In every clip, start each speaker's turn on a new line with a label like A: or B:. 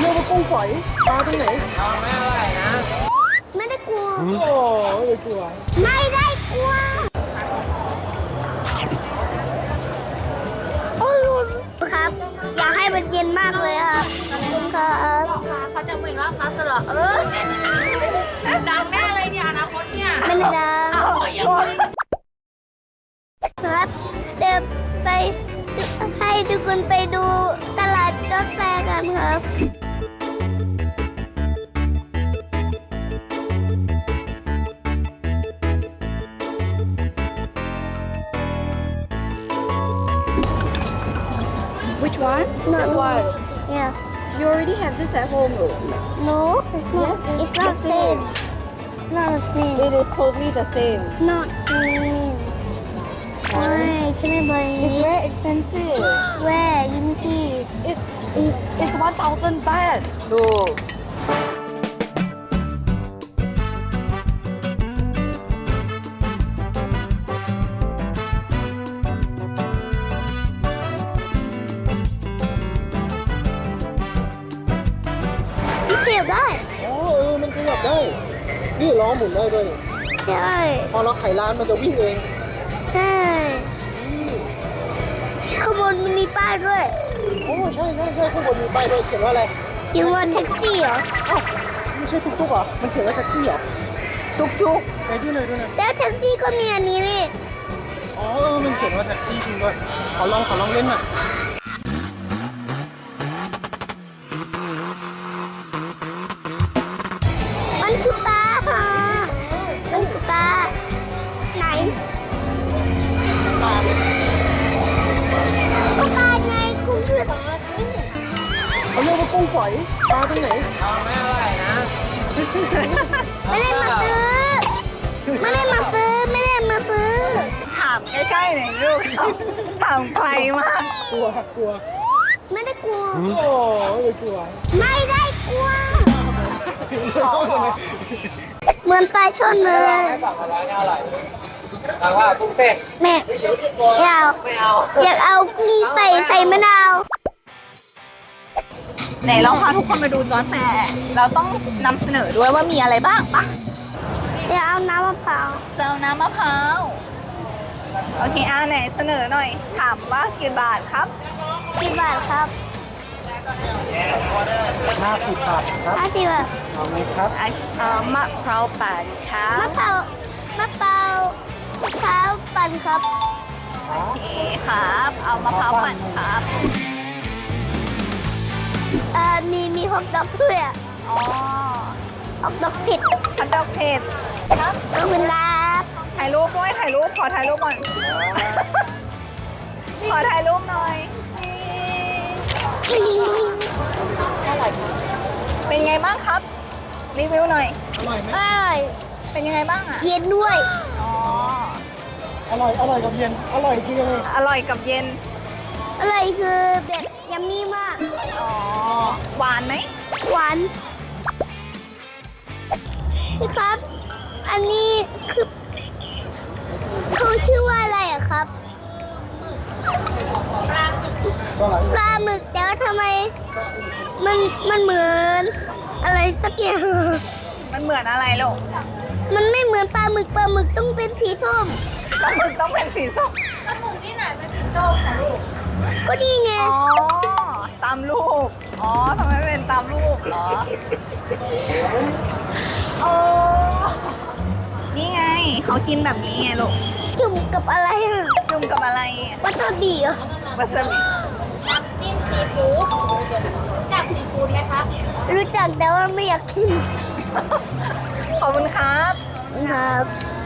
A: เรียกว่ากุ้งฝอยปลาตรงไหน
B: ไม่ได้กลัว
A: โอ้ไม่ได้กลัว
B: ไม่ได้กลัวโอ้ยครับ อยากให้มันเย็นมากเลยครับครับ
C: เขาจะเหมือนว่าพัสเหรอดังแน่เลยเนี่ยอนาคตเนี่ย
B: ไม่ได้ดังครับเดี๋ยวไปให้ทุกคนไปดูตลาดกาแฟกันครับ
C: Which one?
B: No,
C: This
B: no.
C: one.
B: Yeah.
C: You already have this at home though.
B: No, it's not. It's not
C: the
B: same. Not the same.
C: It is totally the same.
B: Not same. Why? Can I buy
C: It's
B: it?
C: very expensive.
B: Where? Let me see.
C: It's 1,000 baht. Look.
B: มันเสียบได้
A: อ๋อมันขยับได้ นี่ล้อหมุนได้ด้วยนี่
B: ใช่
A: พอเราไขร้านมันจะวิ่งเอง
B: ใช่ข้างบนมันมีป้ายด้วย
A: โอ้ใช่ข้างบนมีป้ายด้วยเขียนว่าอะไร
B: จิงว่าแท็กซี่เหรอ
A: อ้าวไม่ใช่ตุ๊กๆเหรอมันเขียนว่าแท็กซี่เหรอ
C: Tuk-tuk.
A: ไปดูหน่อย
B: แล้วแท็กซี่ก็มีอันนี้นี่
A: อ๋อมันเขียนว่าแท็กซี่จริงด้วยขอลองเล่นหน่อย
B: มันคือปลาค่ะมันคือปลาไหนก็ปลาไงคุณคือ
A: เขาเรียกว่ากุ้งฝอยปลาตรงไหน
B: ไม่ได้มาซื้อ ไม่ได้มาซื้อ ไม่ได้มาซื้อ
C: ถามใกล้ๆหน่อยลูกถามไกลมาก
A: กลัว
B: ไม่ได้กลัว
A: โอ้ไม่ได้กลัว
B: ไม่ได้กลัว เหมือนปลาช่อนเลยแม่อยากเอากุ้งใส่มะนาว
C: ไหนลองพาทุกคนมาดูจอร์จแฟร์เราต้องนำเสนอด้วยว่ามีอะไรบ้างปะ
B: อยากเอาน้ำมะพร้าว
C: จะเอาน้ำมะพร้าวโอเคไหนเสนอหน่อย ถามว่ากี่บาทครับ
B: กี่บาทครับ
A: 50 บาทครับ
B: 50 บาท
A: เอาไหมครับ
C: มะพร้าวปั่นครั
B: มะ
C: บ
B: พร้าวปั่นครับ
C: โอเคครับ เอามะพร้าวปั่นครับ
B: มีฮอทดอกด้วยอะ
C: อ๋อ
B: ฮอทดอกเผ็ด
C: ฮอทดอกเผ็ดครับ
B: ขอบคุณครับ
C: ถ่ายรูปด้วยถ่ายรูปขอถ่ายรูปก่อน ขอถ่ายรูปหน่อย
B: ชิลิง
C: เป็นไงบ้างครับ รีวิวหน่อย
A: อร่อยไหม
B: อร่อย
C: เป็นยังไงบ้างอ่ะ
B: เย็นด้วย
C: อ๋อ
A: อร่อยกับเย็น อร่อยคือยังไง
C: อร่อยกับเย็น
B: อร่อยคือแบบยัมมี่มาก
C: อ๋อ หวานไหม
B: หวานพี่ครับ อันนี้คือเขาชื่อว่าอะไรอะครับ
A: ก็อร่อย
B: ปลาหมึกแต่ว่าทำไมมันเหมือนอะไรสักอย่าง
C: มันเหมือนอะไรลูก
B: มันไม่เหมือนปลาหมึกต้องเป็นสีส้ม
C: ปลาหมึกต้องเป็นสีส้ม
B: ก็นี่ไง
C: อ๋อ ตามรูป อ๋อทำไมเป็นตามรูปเหรอโอ้นี่ไง เขากินแบบนี้ไงลูก
B: จุ่มกับอะไรอะ
C: จุ่มกับอะไร
B: วัตถุดิบเหรอ
C: วาซาบิ
D: น้ำจิ้มซีฟู้ดรู้จักซีฟู้ดไหมครับ
B: รู้จักแต่ว่าไม่อยากกิน
C: ขอบคุณครับ
B: ครับ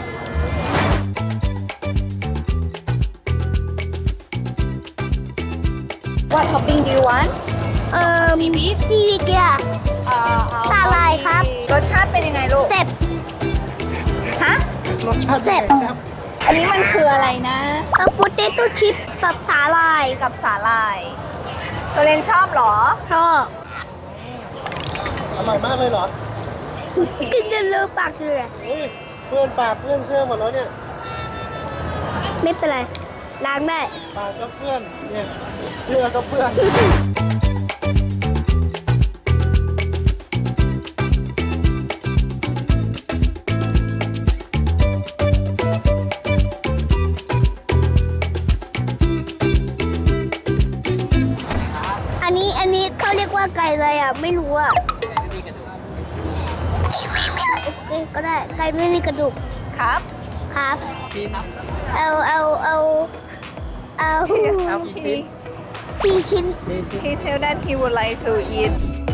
C: What topping do you want
B: ซีวิตอะ สาหร่ายครับ
C: รสชาติเป็นยังไงลูก
B: เซ็บ
C: ฮะ
A: รสชาติ
B: เสร็จ
A: ครับ
C: อันนี้มันคืออะไรนะ
B: โปเตโต้ชิปกับสาหร่าย
C: กับสาหร่ายโจเลนชอบเหรอ
B: ชอบ
A: อร่อยมากเลยเหรอ
B: กินจนเลอะปากเลย
A: เฮ้ยเพื่อนปากเพื่อนเสื้อหมดแล้วเนี่ย
B: ไม่เป็นไร ล้างได้
A: ปากก็เพื่อน เนี่ยเสื้อก็เพื่อน
B: ว่าไก่อะไรอ่ะไม่รู้อ่ะโอเคก็ได้ไก่ไม่มีกระดูก
C: ครับ
B: ครับ
A: ชิ้น
B: เอา
A: ชิ้น
B: 4 ชิ้น
C: He tell that he would like to eat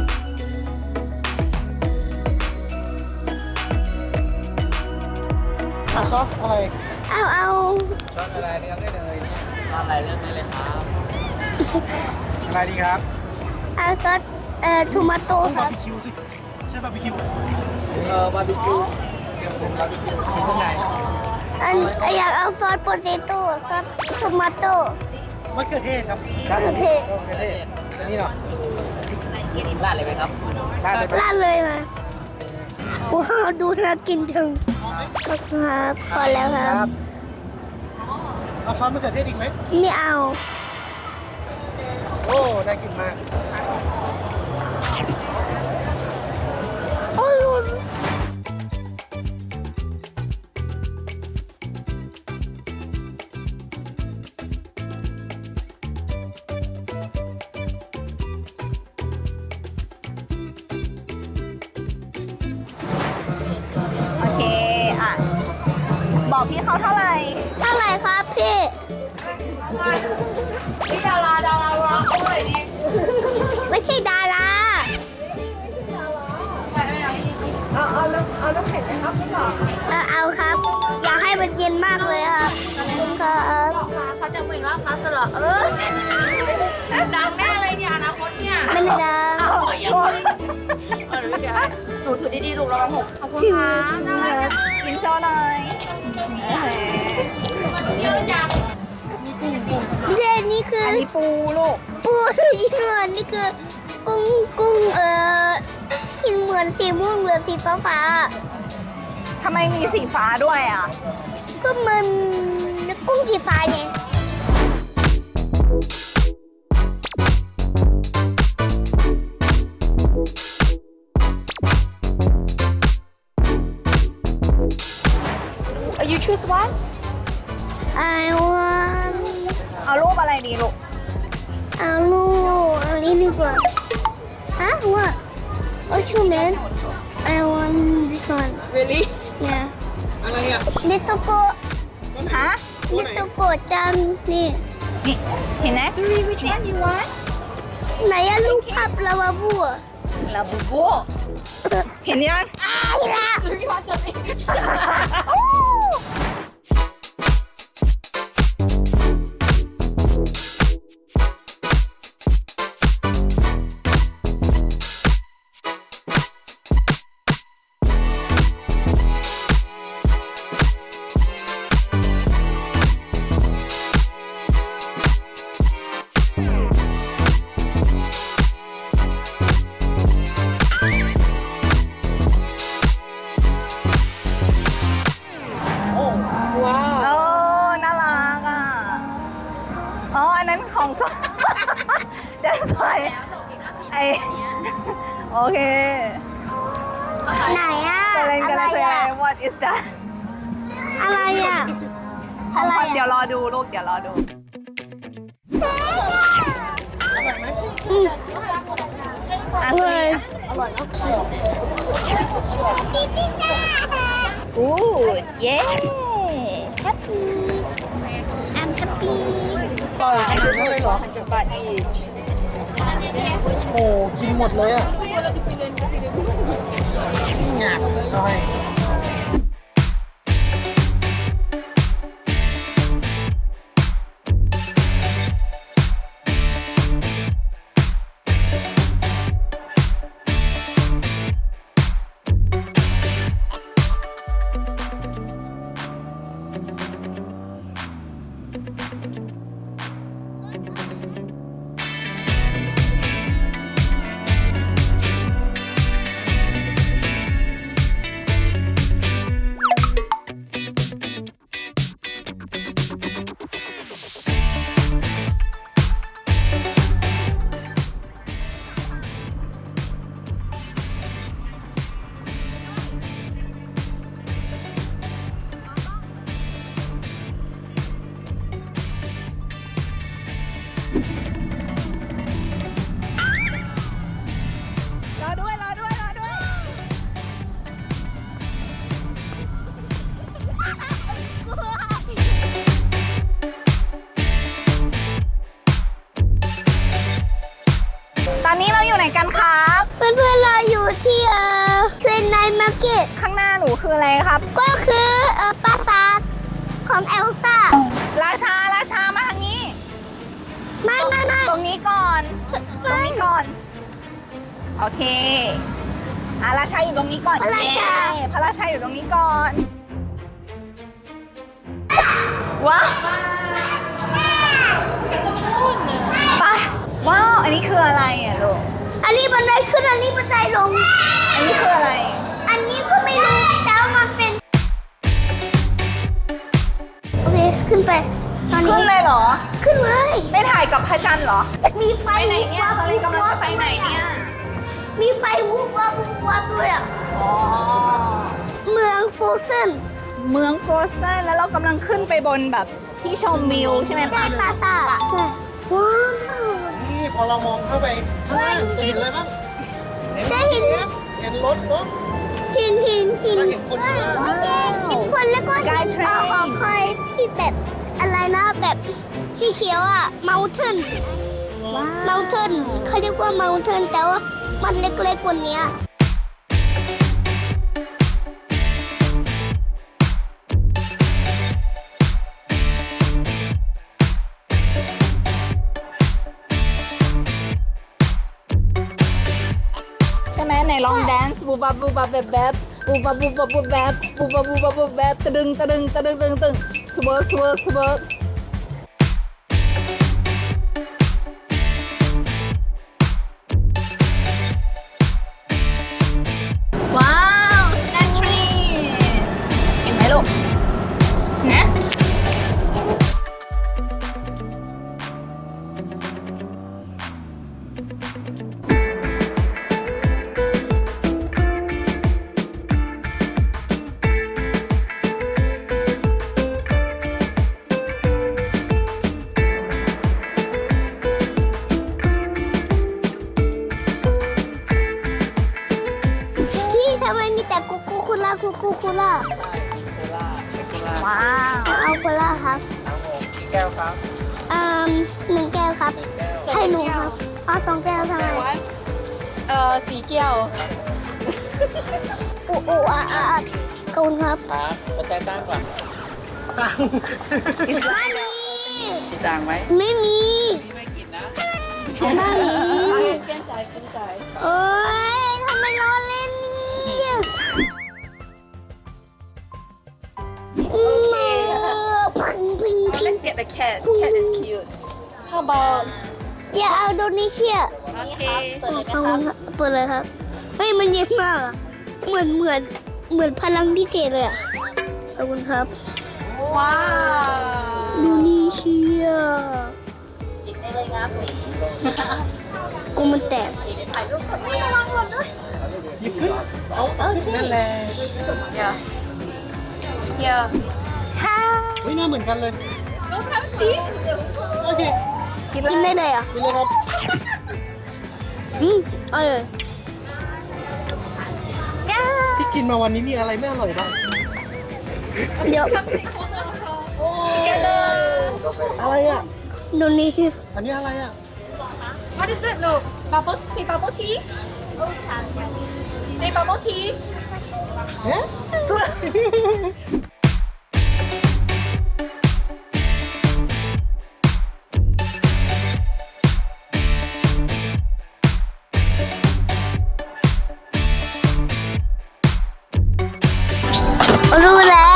A: ซอสอะไร
B: เอา
A: ซอสอะไรเลือกได้เลยซอสอะไรเลือกได้เลยครับอะไรดีครับ
B: เอาซอสทูมาโต้ค
A: บา
B: รั
A: ร์
B: บ
A: บีคิวสิใช่บาร์บีคิวบาร์บีคิวเดี๋ยวผมบาร์บีคิวมีข้างใน
B: อยากเอาซอสโปเตโต้ซอสทูมาโต้
A: มะเขือเทศครับ
B: มะเขือเทศ
A: มะเขือเทศนี่เนาะราดเลยไหมครับราดเลยไหม
B: ราดเลยมาว้าวดูน่ากินจังครับพอแล้วครับ
A: เอาซอสมะเขือเทศอีกไหม
B: ไม่เอา
A: โอ้น่ากินมาก
B: โอ้ย
C: โอเค อ่ะ บอกพี่เขาเท่าไหร่
B: เท่าไหร่ครับพี่
C: พี่ดาราร้องเท่าไหร่ดี
B: ไม่ใช่ดารา เอาครับ อยากให้มันเย็นมากเลยครับขอบคุณครับ
D: เขาจะเหมือนว่าพาสลอดังแน่เลยเนี่ยอนาคตเนี่ย
B: ไม่ได้ดัง
D: หนูถือดีๆลูกระวังหกขอบคุณ
B: ถึง
D: ค่ะ
C: กินโชว์หน่อยโอเค
D: เยอะจัง
B: ไม่ใช่นี่คือ
C: อันนี้ปูลูก
B: ปูที่เหมือนนี่คือกุ้งที่เหมือนสีม่วงหรือสีฟ้า
C: ทำไมมีสีฟ้าด้วยอ่ะ
B: ๆก็มันกุ้งสีฟ้าไง
C: You choose one
B: I want
C: เอารูปอะไรดีลูก
B: เอาลูกอันนี้ดีกว่าฮะ what what you mean I want this one
C: Really
B: yeah
A: อะไรอ่ะ
B: little go
C: ฮะ
B: little go จังนี่
C: นี่เห็นไหม Sorry which one you want
B: ไหนอะลูกภาพลาวาบัว
C: ลาบูบูเห็นยัง
B: อ้าวละ
D: ว้าว
C: เออน่ารักอ่ะ อ๋อ อันนั้นของส That's why ไอโอเค
B: ไหนอะ
C: เซเลน
B: อะ
C: กัน
B: ไร
C: เซเล
B: อะ
C: น What is that
B: อะไรอะ
C: ของขวัญ
B: อะไรอะ
C: เดี๋ยวรอดูลูก เดี๋ยวรอดู อ่ะสิ อู้เย้
B: happy I'm happy
A: ต่อยขนาดนั้นเลยเหรอ
C: 100 บาท each
A: โอ้กินหมดเลยอ่ะงากหน่อย
B: เพื่อนๆเราอยู่ที่เทรนไนท์มาร์เก็ต
C: ข้างหน้าหนูคืออะไรครับ
B: ก็คือปราสาทของเอลซ่า
C: ราชามาทางนี้
B: ไม่
C: ตรงนี้ก่อน ตรงนี้ก่อน โอเคราชาอยู่ตรงนี้ก่อน
B: พระราชา
C: เย้พระราชาอยู่ตรงนี้ก่อนว้าวไปว้าวอันนี้คืออะไรอ่ะลูก
B: อันนี้บันไดขึ้นอันนี้บันไดลง
C: อันนี้คืออะไร
B: อันนี้ก็ไม่รู้แต่ว่ามันเป็นโอเคขึ้นไปตอน
C: ขึ้
B: นี้
C: นเลยเหรอ
B: ขึ้นเลย
C: ไม่ถ่ายกับพระจันทร์เหรอ
B: มีไฟ
C: ไปไหนเนี่ยตอนนี้กำลังจะไปไหนเนี่ย
B: มีไฟวูบวับวูบวับด้วยอ่ะ
C: อ๋อ
B: เมืองโฟรเซน
C: เมืองฟรอสเซนแล้วเรากำลังขึ้นไปบนแบบที่ชมวิวใช่ไหม
B: ใช่
C: คะ
B: ปราสาทใช่ว้าว
E: นี่พอเรามองเข้าไปข้างล่างจะเห็นอะไรบ้าง
B: ได้เห็น
E: เห็นรถรถ
B: หิน
E: แล้วเห็นคนข้างล่าง
B: โอเคเห็นคนแล้วก็เห็นหอคอยที่แบบอะไรนะแบบสีเขียวอ่ะ mountain เขาเรียกว่า mountain แต่ว่ามันเล็กๆกว่านี้
C: ใช่ไหมไหนลองแดนซ์บูบับบูบับแบบแบบบูบับบูบับบูแบบบูบับบูบับบูแบบตะดึงทเวิร์กทเวิร์กว้าวสกายทรีเห็นไหมลูกนะ
B: พี่ทำไมมีแต่กุกูคุล่า
A: ได้โคล่าเป็นโคล่า
C: ว้าว
B: เอาโคล่าครับ
A: ครับผมกี่แก้วครับ
B: 1 แก้วครับ
A: แก้ว
B: ให้หนูครับเอา2 แก้วทำไม
D: สีแก้ว
B: อูอ่ะขอบคุณครับ
A: ครับปัจจัยตั้งก่อน
E: ตัง
B: ไม่มี
A: มีตังค์ไหม
B: ไม่มี
A: พี่ไม่กินนะ
B: ไม่มี
D: เส้นใจ
B: โอ๊ยทำไมล้อเล่นเนี่ยพิง
D: Let's get the cat is cute How about
B: อย่าเอาโดนีเชีย
D: โอเค
B: ขอบคุณครับเปิดเลยครับเฮ้ยมันเย็นมากอะเหมือนพลังพิเศษเลยอะขอบคุณครับ
D: ว้าว
B: โดนีเชีย
D: หยิบได้เลยครับ
B: กูมันแตก
D: ถ่ายรูปกับนี่ระวังหล่นด้วย
E: หยิบขึ้นเอานั่นแหละ
D: เดี๋ยว
E: เฮ้ยหน้าเหมือนกันเลย
D: ก็ทำสิ
E: โอเค
B: กินได้เลยอ่ะ
E: กินเลยครับ
B: เอาเลย
E: ที่กินมาวันนี้มีอะไรไม่อร่อยบ้าง
B: เดี๋ยว
E: อะไรอ่ะ
B: โดนีเชีย
E: อันนี้อะไรอ่ะ
D: What is it look bubble say bubble tea say bubble tea
E: เอ๊ะ
C: สุด
B: รู้แล้ว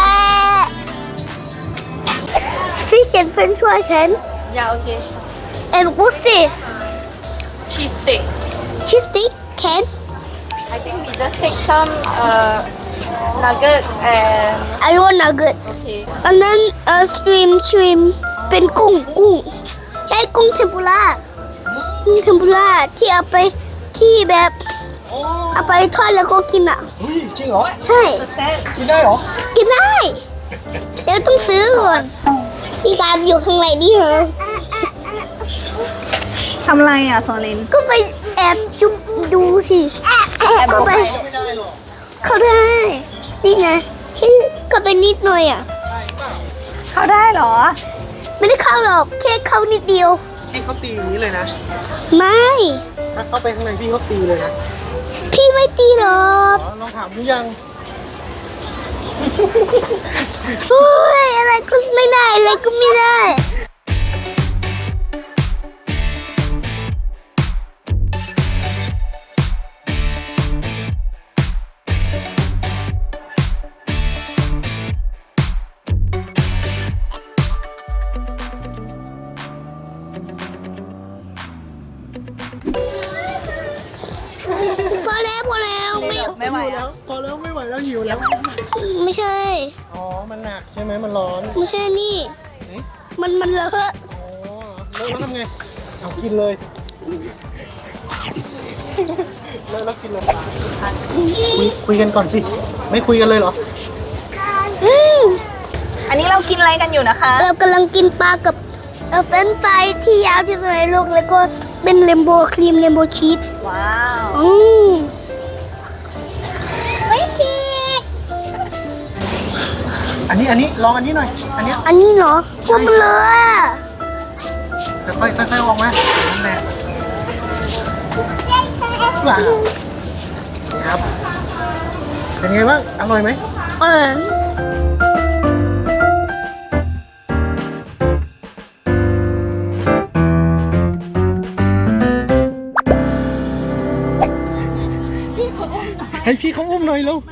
B: Fish and French fry can
D: Yeah okay
B: and what's this
D: cheese stick
B: Cheese stick can
D: I think we just take some nuggets and
B: I want nuggets
D: okay
B: อันนั้นshrimp เป็นกุ้งใช่กุ้งเทมปุระที่เอาไปที่แบบ
E: โอ้
B: เอาไปทอดแล้วก็กินอ่ะ
E: เฮ้ยจริงเหรอ
B: ใช่
E: กินได้เหรอ
B: กินได้ เดี๋ยวต้องซื้อก่อนพี่ตามอยู่ข้างในนี่เหรอ
C: ทำอะไรอ่ะโซลิน
B: ก็ไปแอบจุ๊บดูสิเข้าไป
E: ไม่ได้หรอก
B: เข้าได้ นี่ไงที่ก็ไปนิดหน่อยอ่ะ
E: ได้เปล่า
C: เขาได้เหรอ
B: ไม่ได้เข้าหรอกแค่เข้านิดเดียว
E: พี่เขาตีอย่างนี้เลยนะ
B: ไม่
E: ถ้าเข้าไปข้างในพี่เขาตีเลยนะ
B: ตีหรอก
E: อ๋อลองถามดูยัง
B: เฮ้ยอะไรก็ไม่ได้อะไรก็ไม่ได้ พอแล้วไม่
C: ไม่ไหว
E: แล้
C: อ่ะ
E: วพอแล้วไม่ไหวแล้วหิวแล้ว
B: ไม่ใช่
E: อ๋อ มันหนักใช่ไหมมันร้อน
B: ไม่ใช่นี่
E: เอ๊ะ
B: มันเลอะ
E: อ๋อแล้วทำไง เอากินเลยแล้วกินเลยคุยกันก่อนสิ ไม่คุยกันเลยเหรอ
B: อืม
C: อันนี้เรากินอะไรกันอยู่นะคะ
B: เรากำลังกินปลากับเฟรนช์ฟรายที่ยาวที่สุดในโลกแล้วก็เป็นเรนโบว์ครีมเรนโบว์ชีส
C: ว้าว
B: อืมไม่ชีส
E: อันนี้ลองอันนี้หน่อย อันเนี้ย
B: อันนี้เหรอพวกมันเลยอะ
E: ค่อยๆออกมานั่นแหละว้าวนี่ครับ เป็นไงบ้าง อร่อยไหม
B: เออ
E: ให้พี่เขาอุ้มหน่อยเร็ว